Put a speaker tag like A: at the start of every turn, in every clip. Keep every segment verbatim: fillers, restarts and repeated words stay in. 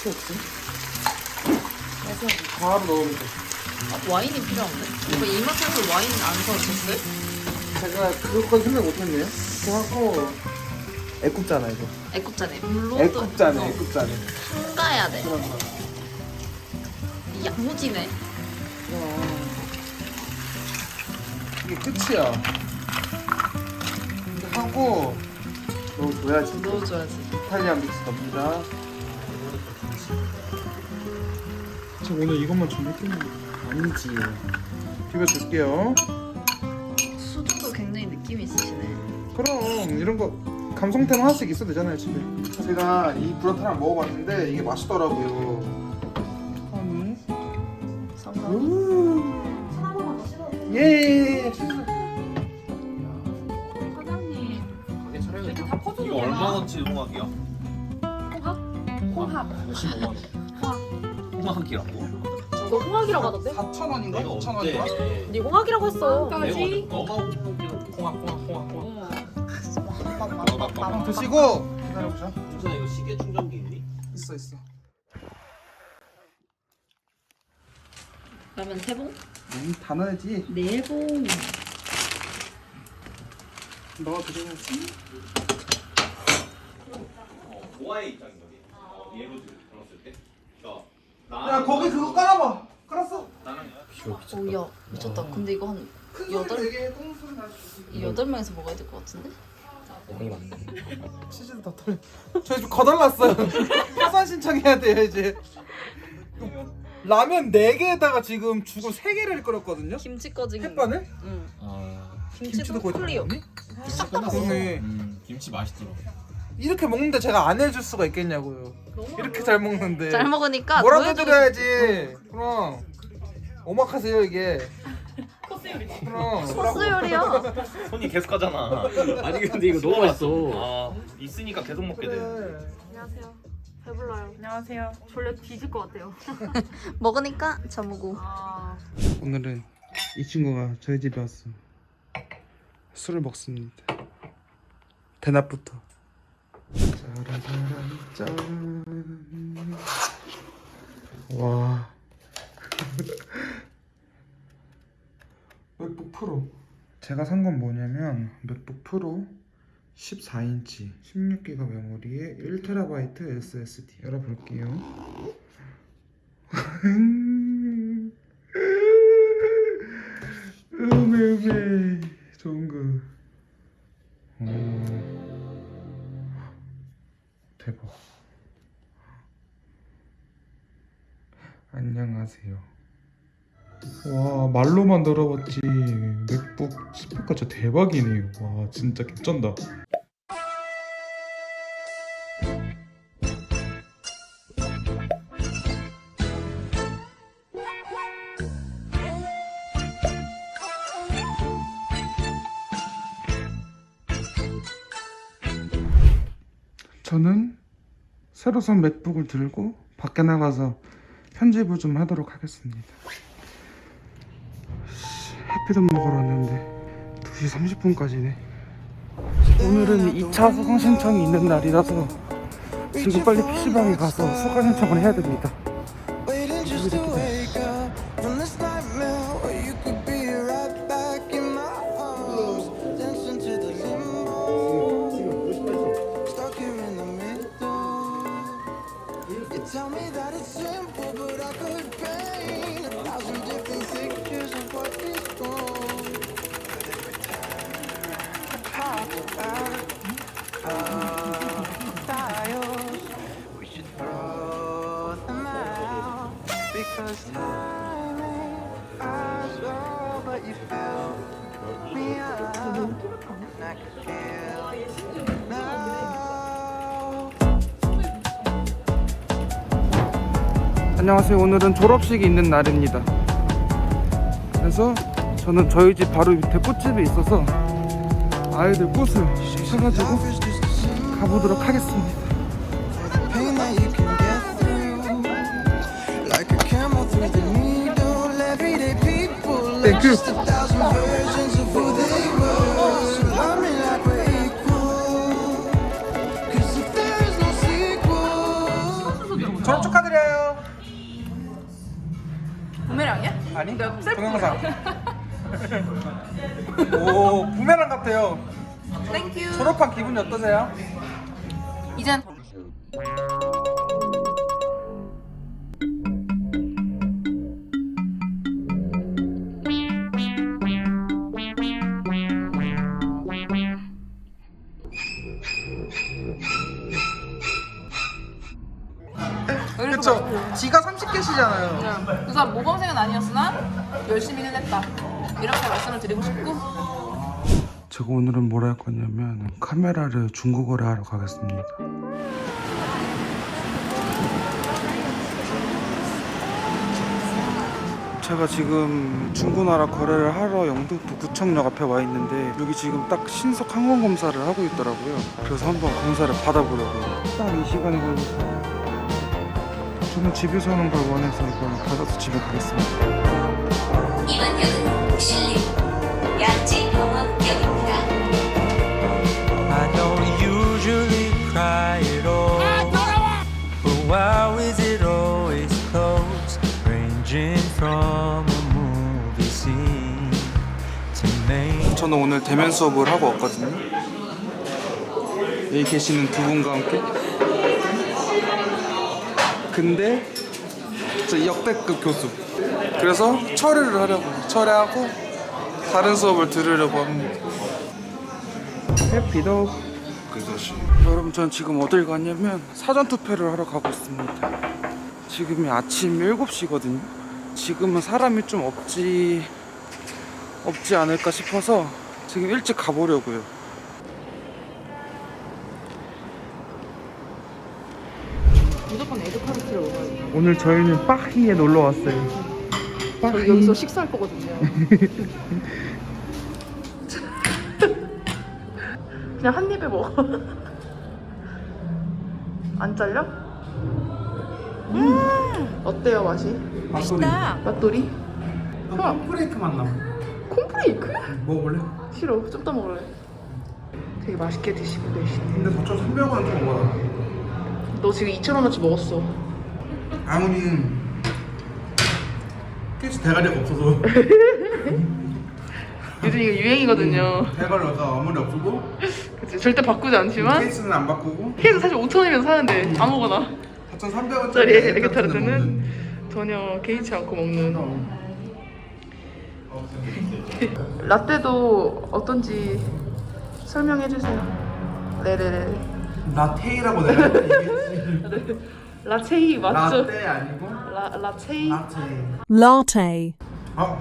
A: 어떻게 없지?
B: 바로 넣으면 돼.
A: 아, 와인이 필요한데? 오빠 이마트에서 와인 안 사오셨어요?
B: 제가 그것까지 생각 못했네요. 그거 하고 애국자나 이거.
A: 애국자네. 물로
B: 애국자네, 애국자네.
A: 첨가해야 돼.
B: 그런 거.
A: 이 양무지네.
B: 어. 이게 끝이야. 이거 하고 넣어줘야지.
A: 넣어줘야지.
B: 이탈리안 믹스 넣습니다. 저 오늘 이것만 준비했겠는데 아니지. 비벼줄게요.
A: 수두도 굉장히 느낌이 있으시네.
B: 그럼 이런 거 감성템 하나씩 있어도 되잖아요 집에. 제가 이 브라타를 먹어봤는데 이게 맛있더라고요. 아니.
A: 상관이.
C: 하나만 더 씹어도
B: 예.
C: 사장님
D: 가게 차려야
C: 이렇게 다 퍼줘도
D: 이거
C: 되나?
D: 얼마원치 홍학이야?
C: 홍합? 홍합
D: 몇십오만 원. 홍학이라고?
C: 너 홍학이라고 하던데?
B: 사천 원인가?
D: 내가
B: 오천
D: 어때?
B: 원인가?
C: 네 홍학이라고 했어
D: 내가 너가 홍학 홍학 홍학 홍학.
B: 드시고 기다려보자.
D: 무슨 이거 시계 충전기 있니?
B: 있어 있어.
A: 그러면 세 봉?
B: 음, 다 넣어야지.
A: 네 봉.
B: 넣어 드셔야지.
D: 노아의 입장인 거지. 어, 예로 들었을 때. 나
B: 야 거기 그거 깔아봐. 깔았어.
D: 나는
A: 오야 미쳤다. 근데 이거 한
B: 큰 소리
A: 여덟
B: 되게 똥 소리 나지.
A: 이 여덟 명에서 먹어야 될 것 같은데?
B: 치즈도 다 털려. 저 지금 거덜났어요. 파산 신청해야 돼요 이제. 라면 네 개에다가 지금 죽을 세 개를 끓였거든요.
A: 김치 꺼지기.
B: 햇반을?
A: 응.
D: 아,
A: 김치도
B: 거의
A: 클리어.
B: 들어갔니?
A: 싹 다 먹어.
B: 그러네.
D: 음, 김치 맛있더라.
B: 이렇게 먹는데 제가 안 해줄 수가 있겠냐고요. 이렇게 잘 먹는데.
A: 잘 먹으니까
B: 뭐라도
A: 보여주고
B: 해드려야지. 그럼 오마카세요 이게. 그럼.
A: 싶- 소스 요리야.
D: 손이 계속 하잖아.
E: 아니 근데 이거 너무 맛있어.
D: 아, 있으니까 계속 먹게 돼.
B: 그래.
C: 안녕하세요 배불러요 안녕하세요 졸려 뒤질 것 같아요
A: 먹으니까 저무고.
C: 아
B: 오늘은 이 친구가 저희 집에 왔어. 술을 먹습니다. 대낮부터. 짜라라란 짠. 와. 맥북 프로. 제가 산 건 뭐냐면 맥북 프로 십사 인치 십육 기가 메모리에 일 테라바이트 에스에스디 열어볼게요. 음에 음에 좋은 거. 오. 대박. 안녕하세요. 와 말로만 들어봤지 맥북 스펙가 진짜 대박이네요. 와 진짜 개쩐다. 저는 새로 산 맥북을 들고 밖에 나가서 편집을 좀 하도록 하겠습니다. 해피도 먹으러 왔는데 두 시 삼십 분까지네. 오늘은 이 차 수강 신청이 있는 날이라서 지금 빨리 피시방에 가서 수강 신청을 해야 됩니다.
F: Tell me that it's simple, but I could paint a thousand different pictures of what is wrong. But every time I talk about our styles, we should throw them out because time ain't ours. Oh, but you fill me up, and I can feel now.
B: 안녕하세요. 오늘은 졸업식이 있는 날입니다. 그래서 저는 저희 집 바로 밑에 꽃집이 있어서 아이들 꽃을 사가지고 가보도록 하겠습니다.
F: Pain that you can get through, like a camel through the needle. Everyday people are
B: Thank you.
F: just a thousand versions of who they were. So love me like we're equal, 'cause if there's no sequel.
B: 졸업 축하드려요.
C: 부메랑이야?
B: 아니
C: 셀프
B: 동영상. 오 부메랑 같아요.
C: 땡큐.
B: 졸업한 기분이 어떠세요?
C: 이젠
B: 그쵸. 지가 삼십 개시잖아요.
C: 그 사람 모범생은 아니었으나 열심히는 했다. 이렇게 말씀을 드리고 싶고.
B: 제가 오늘은 뭘 할 거냐면 카메라를 중국어를 하러 가겠습니다. 제가 지금 중고나라 거래를 하러 영등포 구청역 앞에 와 있는데 여기 지금 딱 신속 항원 검사를 하고 있더라고요. 그래서 한번 검사를 받아보려고요. 딱 이 시간에 걸렸어요. 저는 집에서 하는 걸 원해서 이걸 받아서 집에 가겠습니다.
E: 이번 역은 신림 양지병원역입니다.
G: I don't usually cry at all, but why is it always close, ranging from a movie scene to main?
B: 저는 오늘 대면 수업을 하고 왔거든요. 여기 계시는 두 분과 함께. 근데 저 역대급 교수. 그래서 철회를 하려고 철회하고 다른 수업을 들으려고 합니다. 해피도 그것이. 여러분 전 지금 어딜 가냐면 사전 투표를 하러 가고 있습니다. 지금이 아침 일곱 시거든요. 지금은 사람이 좀 없지 없지 않을까 싶어서 지금 일찍 가보려고요.
C: 무조건 에드카르트를 먹어야 돼.
B: 오늘 저희는 빠히에 놀러 왔어요.
C: 저희 여기서 식사할 거거든요. 그냥 한 입에 먹어. 안 잘려? 음 어때요 맛이?
B: 맛있다.
C: 맛돌이? 형아
B: 콘프레이크 맛 나.
C: 콘프레이크?
B: 먹어볼래?
C: 싫어 좀 더 먹을래. 되게 맛있게 드시고 계시네.
B: 근데 보통 삼백 원 좀 먹어.
C: 너 지금 이천 원어치 먹었어.
B: 아무리 깨지 대가리가 없어서
C: 요즘 이거 유행이거든요.
B: 대가리가 아무리 없어도
C: 그치, 절대 바꾸지 않지만
B: 케이스는 안 바꾸고
C: 케이스 사실 오천 원이면 사는데 아무거나
B: 사천삼백 원짜리
C: 짜리 에그타르트는 전혀 개의치 않고 먹는. 라떼도 어떤지 설명해 주세요. 네네네.
B: 라테이라고 내가 얘기했지.
C: 라체이 맞죠?
B: 라떼 아니고
C: 라 라체이.
B: 라테이.
H: Latte.
B: 아,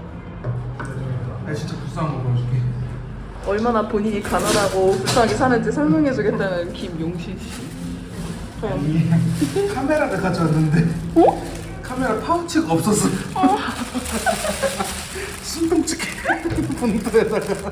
B: 나 진짜 불쌍한 거 보여줄게.
C: 얼마나 본인이 가난하고 불쌍하게 사는지 설명해 주겠다는 김용신 씨.
B: 아니, 카메라를 가져왔는데
C: 어?
B: 카메라 파우치가 없었어. 순둥치게 본드에다가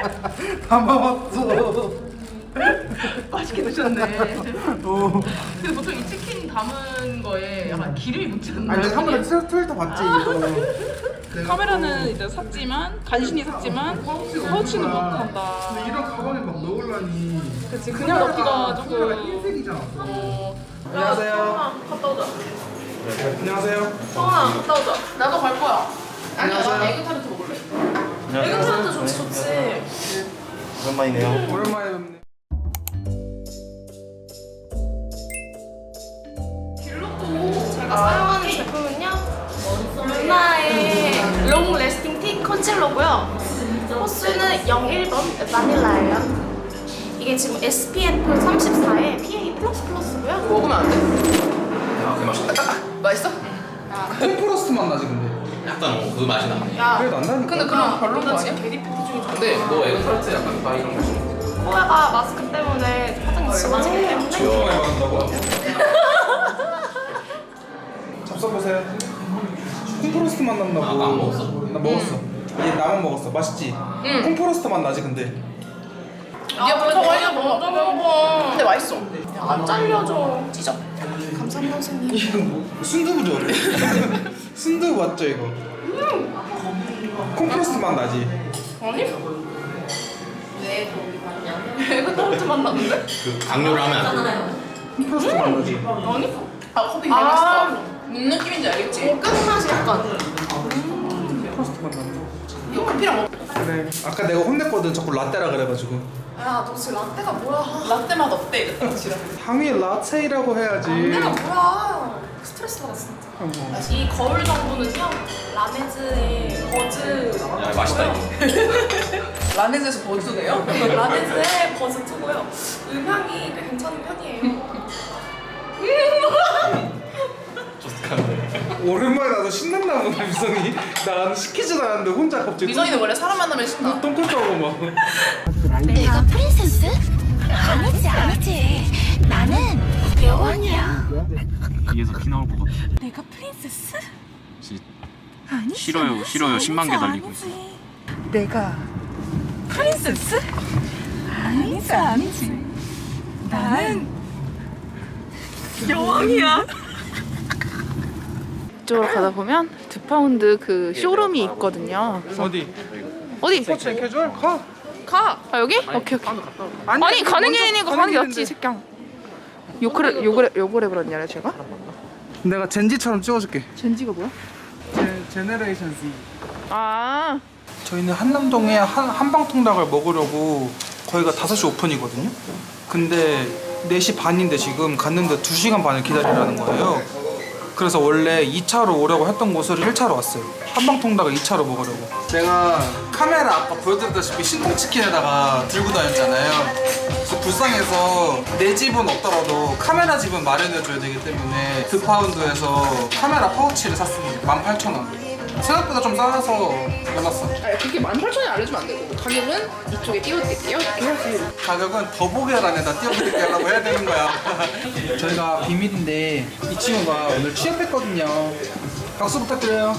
B: 담아왔어.
C: 맛있게 드셨네.
B: 어.
C: 근데 보통 이 치킨 담은 거에 약간 기름이 묻지 않나요?
B: 아니 내가 한번 트위터 봤지 이거.
C: 카메라는 이제 샀지만 간신히 샀지만 파우치는 못 한다.
B: 근데 이런 가방에 막 넣으려니.
C: 그치 그냥 넣기가
B: 카메라가
C: 조금.
B: 흰색이잖아.
C: 어.
B: 안녕하세요.
C: 갔다 오자.
B: 안녕하세요.
C: 성아 갔다 오자. 나도 갈 거야. 아니야 난 에그타르트 먹을래. 에그타르트 좋지 좋지.
D: 오랜만이네요.
B: 오랜만에 뵙네.
I: 제가 사용하는 제품은요 루나의 롱 레스팅 티 컨실러고요. 호수는 영일 번 바닐라예요. 이게 지금 에스피에프 삼십사에 피에이 플러스 플러스고요.
C: 먹으면 안 돼?
D: 아, 그 맛있다.
C: 맛있어?
B: 콤프로스트 맛 나지 근데.
D: 약간 어, 그 맛이 나.
I: 야,
B: 그래도 안 나니까.
C: 근데 그럼 별로인 거
I: 나
C: 아니야?
I: 지금 베리 팩트 중에
D: 근데 너 에그타르트 약간 다 이런 거 맛이 나.
I: 코에가 마스크 때문에 화장이 지워지기 때문에
B: 얼마나 받는다고? 잡숴보세요. 콤프로스트 맛 난다고.
D: 아, 그거 안 먹었어?
B: 나 먹었어. 얘 나만 먹었어. 맛있지?
C: 응.
B: 콤프로스트 맛 나지 근데.
C: 야 그래 저거 먼저 먹어. 근데 맛있어.
I: 안 잘려줘. 찢어. 감사합니다 선생님.
B: 이거 뭐 순두부죠? 순두부 맞죠 이거? 콤프로스트 맛 나지?
C: 아니? 에그타르트 맛 나는데?
D: 그 강요를 하면 안 돼.
B: 콤프로스트 맛 나지?
C: 아니? 아 커피 되게 맛있어. 무슨 느낌인지 알겠지?
I: 어, 끝맛이 약간.
C: 이거 커피랑 먹.
B: 그래. 아까 내가 혼냈거든. 자꾸 라떼라 그래가지고.
I: 야, 너 지금 라떼가 뭐야?
C: 라떼 맛 어때? 이랬다 지랄.
B: 당연히 라떼라고 해야지.
I: 라떼가 뭐야? 스트레스 받아 진짜.
B: 어머.
I: 이 거울 정보는요, 라메즈의 버즈.
D: 야 맛있다 이거.
C: 라멘에서 버즈네요?
I: 라메즈의 버즈 투고요. 음향이 꽤 괜찮은 편이에요.
B: 오랜만에 나도 신났나 보다 미성이. 나는 시키지도 않았는데 혼자 갑자기
C: 미성이는 원래 사람 만나면 신나.
B: 똥꼬싸고 막.
E: 내가 프린세스? 아니지 아니지. 나는 여왕이야.
H: 뒤에서 피 나올 것 같아.
E: 내가 프린세스?
H: 진짜
E: 아니지.
H: 싫어요,
E: 아니지,
H: 싫어요. 십만 개
E: 아니지,
H: 달리고
E: 아니지. 내가 프린세스? 아니지 아니지. 나는 여왕이야.
C: 이쪽으로 가다 보면 드파운드 그 쇼룸이 있거든요.
B: 어디?
C: 어디?
B: 스포츠 앤 캐주얼? 가.
C: 가. 아 여기? 오케이 오케이.
B: 아니,
C: 아니 가는 게
B: 먼저
C: 아니고
B: 가는
C: 가는 게
B: 길인데.
C: 낫지 새끼야. 요크레 요그레 요거래 그랬냐 제가?
B: 내가 젠지처럼 찍어줄게.
C: 젠지가 뭐야?
B: 제, 제네레이션 Z.
C: 아
B: 저희는 한남동에 한, 한방통닭을 먹으려고 거기가 다섯 시 오픈이거든요. 근데 네 시 반인데 지금 갔는데 두 시간 반을 기다리라는 거예요. 그래서 원래 이 차로 오려고 했던 곳을 일 차로 왔어요. 한방통닭을 이 차로 먹으려고. 내가 카메라 아까 보여드렸다시피 신통치킨에다가 들고 다녔잖아요. 그래서 불쌍해서 내 집은 없더라도 카메라 집은 마련해줘야 되기 때문에 드파운드에서 카메라 파우치를 샀습니다. 만 팔천 원. 생각보다 좀 싸서 놀랐어.
C: 아니, 그렇게 만 팔천 원 알려주면 안 되고 가격은 이쪽에 띄워드릴게요. 띄워드릴게요.
B: 가격은 더보기란에다 띄워드릴게라고 해야 되는 거야. 저희가 비밀인데 이 친구가 오늘 취업했거든요. 박수 부탁드려요.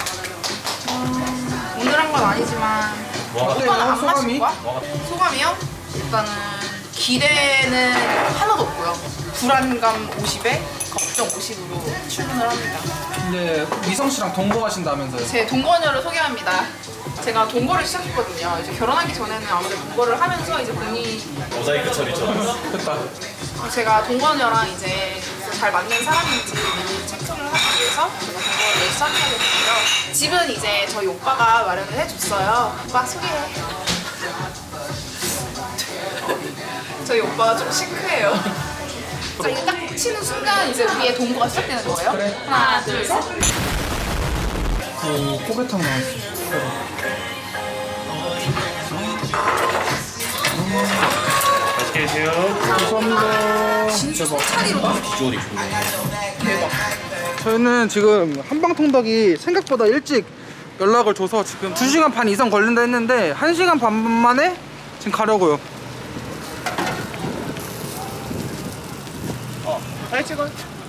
C: 오늘 한 건 아니지만
B: 어때요?
C: 안 마실
B: 소감이?
C: 거야? 소감이요? 일단은 기대는 하나도 없고요. 불안감 오십에 걱정 오십으로 출근을 합니다.
B: 근데 미성 씨랑 동거하신다면서요?
C: 제 동거녀를 소개합니다. 제가 동거를 시작했거든요. 이제 결혼하기 전에는 아무래도 동거를 하면서 이제 본인이
D: 모자이크 처리처럼.
B: 됐다.
C: 제가 동거녀랑 이제 잘 맞는 사람인지 체크를 하기 위해서 제가 동거를 시작하게 됐고요. 집은 이제 저희 오빠가 마련을 해줬어요. 오빠 소개해. 저희 오빠가 좀 시크해요. 자, 이거 딱 치는 순간 이제 우리의 동거가 시작되는 거예요.
B: 그래.
C: 하나, 둘, 셋.
B: 오, 포개탕 나왔어.
H: 맛있게 드세요.
B: 감사합니다.
C: 진짜 차리로 봐.
D: 비주얼이 좋네.
C: 대박.
B: 저희는 지금 한방통닭이 생각보다 일찍 연락을 줘서 지금 두 시간 반 이상 걸린다 했는데 한 시간 반 만에 지금 가려고요.
C: 잘 찍어.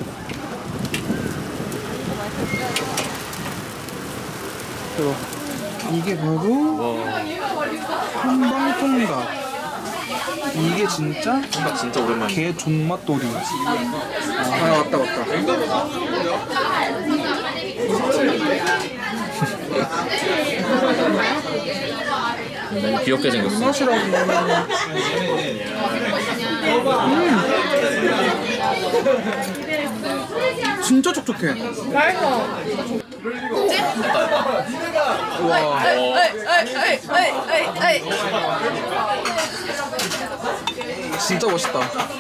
B: 들어. 이게 바로 한방통닭. 이게 진짜
H: 생각 진짜 오랜만이야.
B: 개 존맛돌이. 아 왔다 왔다.
H: 너무 귀엽게 생겼어.
B: 맛이라고. 음. 진짜 촉촉해.
C: 맛있어.
B: 와.
C: 에이, 에이, 에이, 에이, 에이, 에이.
B: 진짜 멋있다.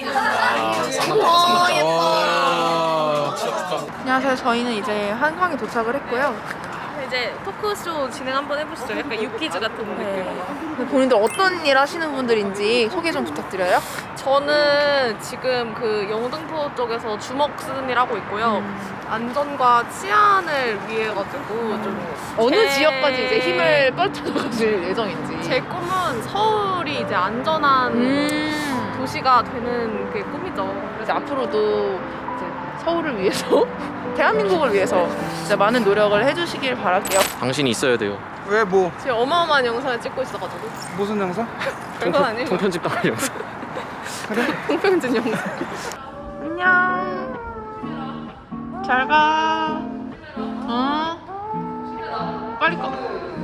C: 와, 예뻐.
B: 와.
C: 안녕하세요. 저희는 이제 한강에 도착을 했고요.
I: 이제 토크쇼 진행 한번 해보시죠. 약간 유퀴즈 같은 느낌.
C: 본인들 어떤 일 하시는 분들인지 소개 좀 부탁드려요.
I: 저는 지금 그 영등포 쪽에서 주먹 쓰는 일 하고 있고요.
C: 음.
I: 안전과 치안을 위해 가지고 좀
C: 어느
I: 제-
C: 지역까지 이제 힘을 뻗쳐가실 예정인지.
I: 제 꿈은 서울이 이제 안전한
C: 음.
I: 도시가 되는 게 꿈이죠.
C: 그래서 앞으로도 이제 서울을 위해서, 대한민국을 위해서 진짜 많은 노력을 해주시길 바랄게요.
H: 당신이 있어야 돼요.
B: 왜 뭐?
I: 지금 어마어마한 영상을 찍고 있어가지고
B: 무슨 영상?
I: 별건 아니고
H: 통편집 당할 영상.
I: 통평진 영상. 안녕. 잘 가. 어? 빨리 꺼.